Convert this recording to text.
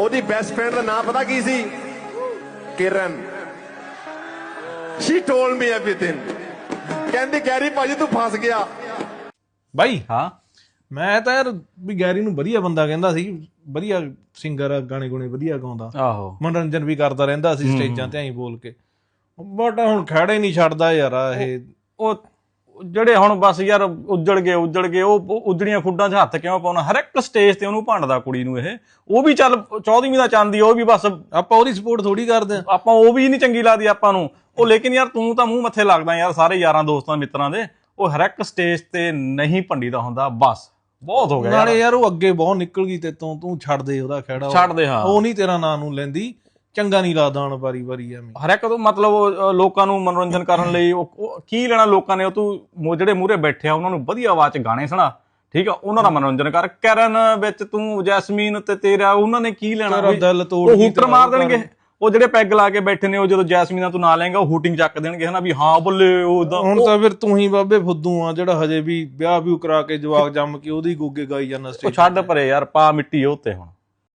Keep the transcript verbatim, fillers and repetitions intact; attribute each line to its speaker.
Speaker 1: ਉਹਦੀ best friend ਦਾ ਨਾਮ ਪਤਾ ਕੀ ਸੀ? Kiran. She told me everything. ਕਹਿੰਦੀ ਗੈਰੀ ਭਾਜੀ ਤੂੰ ਫਸ ਗਿਆ
Speaker 2: ਬਾਈ।
Speaker 3: ਹਾਂ
Speaker 2: ਮੈਂ ਤਾਂ ਯਾਰ ਵੀ ਗੈਰੀ ਨੂੰ ਵਧੀਆ ਬੰਦਾ ਕਹਿੰਦਾ ਸੀ, ਵਧੀਆ ਸਿੰਗਰ ਆ, ਗਾਣੇ ਗੁਣੇ ਵਧੀਆ ਗਾਉਂਦਾ,
Speaker 3: ਆਹੋ
Speaker 2: ਮਨੋਰੰਜਨ ਵੀ ਕਰਦਾ ਰਹਿੰਦਾ ਸੀ ਸਟੇਜਾਂ ਤੇ ਐਂ ਬੋਲ ਕੇ। ਬਟ ਹੁਣ ਖੜੇ ਨਹੀਂ ਛੱਡਦਾ ਯਾਰ ਇਹ।
Speaker 3: ਉਹ ਜਿਹੜੇ ਹੁਣ ਬਸ ਯਾਰ ਉੱਜੜ ਗਏ ਉੱਜੜ ਗਏ ਉਹ ਉਜੜੀਆਂ ਖੁੱਡਾਂ 'ਚ ਹੱਥ ਕਿਉਂ ਪਾਉਣਾ? ਹਰ ਇੱਕ ਸਟੇਜ ਤੇ ਉਹਨੂੰ ਭੰਡਦਾ ਕੁੜੀ ਨੂੰ ਇਹ। ਉਹ ਵੀ ਚੱਲ ਚੌਦਵੀਂ ਦਾ ਚਾਂਦੀ, ਉਹ ਵੀ ਬਸ
Speaker 2: ਆਪਾਂ ਉਹਦੀ ਸਪੋਰਟ ਥੋੜੀ ਕਰਦੇ ਆ,
Speaker 3: ਆਪਾਂ ਉਹ ਵੀ ਨਹੀਂ ਚੰਗੀ ਲੱਗਦੀ ਆਪਾਂ ਨੂੰ ਉਹ। ਲੇਕਿਨ ਯਾਰ ਤੂੰ ਤਾਂ ਮੂੰਹ ਮੱਥੇ ਲੱਗਦਾ ਯਾਰ ਸਾਰੇ ਯਾਰਾਂ ਦੋਸਤਾਂ ਮਿੱਤਰਾਂ ਦੇ। ਉਹ ਹਰ ਇੱਕ ਸਟੇਜ ਤੇ ਨਹੀਂ ਭੰਡੀਦਾ ਹੁੰਦਾ, ਬਸ ਬਹੁਤ ਹੋ ਗਿਆ।
Speaker 2: ਨਾਲੇ ਯਾਰ ਉਹ ਅੱਗੇ ਬਹੁਤ ਨਿਕਲ ਗਈ ਤੇ ਤੂੰ ਤੂੰ ਛੱਡ ਦੇ ਉਹਦਾ ਖਹਿੜਾ,
Speaker 3: ਛੱਡ ਦੇ। ਹਾਂ
Speaker 2: ਉਹ ਨਹੀਂ ਤੇਰਾ ਨਾਂ ਨੂੰ ਲੈਂਦੀ, ਚੰਗਾ ਨਹੀਂ ਲੱਗਦਾ ਹੁਣ ਵਾਰੀ ਵਾਰੀ ਐਵੇਂ।
Speaker 3: ਹਰ ਇੱਕ ਤੋਂ ਮਤਲਬ ਲੋਕਾਂ ਨੂੰ ਮਨੋਰੰਜਨ ਕਰਨ ਲਈ ਉਹ ਕੀ ਲੈਣਾ ਲੋਕਾਂ ਨੇ? ਉਹ ਤੂੰ ਜਿਹੜੇ ਮੂਹਰੇ ਬੈਠੇ ਆ ਉਹਨਾਂ ਨੂੰ ਵਧੀਆ ਆਵਾਜ਼ 'ਚ ਗਾਣੇ ਸੁਣਾ, ਠੀਕ ਆ, ਉਹਨਾਂ ਦਾ ਮਨੋਰੰਜਨ ਕਰ। ਕਰਨ ਵਿੱਚ ਤੂੰ ਜੈਸਮੀਨ ਤੇ ਤੇਰਾ ਉਹਨਾਂ ਨੇ ਕੀ ਲੈਣਾ?
Speaker 2: ਦਿਲ ਤੋੜ
Speaker 3: ਉਹ ਹੂਟਰ ਮਾਰ ਦੇਣਗੇ। ਉਹ ਜਿਹੜੇ ਪੈਗ ਲਾ ਕੇ ਬੈਠੇ ਨੇ ਉਹ ਜਦੋਂ ਜੈਸਮੀਨ ਦਾ ਤੂੰ ਨਾਂ ਲੈਂਗਾ ਉਹ ਹੂਟਿੰਗ ਚੱਕ ਦੇਣਗੇ ਹਨਾ ਵੀ ਹਾਂ ਬੱਲੇ ਉਹ।
Speaker 2: ਹੁਣ ਤਾਂ ਫਿਰ ਤੂੰ ਹੀ ਬਾਬੇ ਫੁੱਦੂ ਆ ਜਿਹੜਾ ਹਜੇ ਵੀ ਵਿਆਹ ਵਿਊ ਕਰਾ ਕੇ ਜਵਾਕ ਜੰਮ ਕੇ ਉਹਦੀ ਗੋਗੇ ਗਾਈ ਜਾਂਦਾ
Speaker 3: ਉਹ
Speaker 2: ਸਟੇਜ।
Speaker 3: ਛੱਡ ਪਰੇ ਯਾਰ, ਪਾ ਮਿੱਟੀ ਉਹ ਤੇ ਹੁਣ।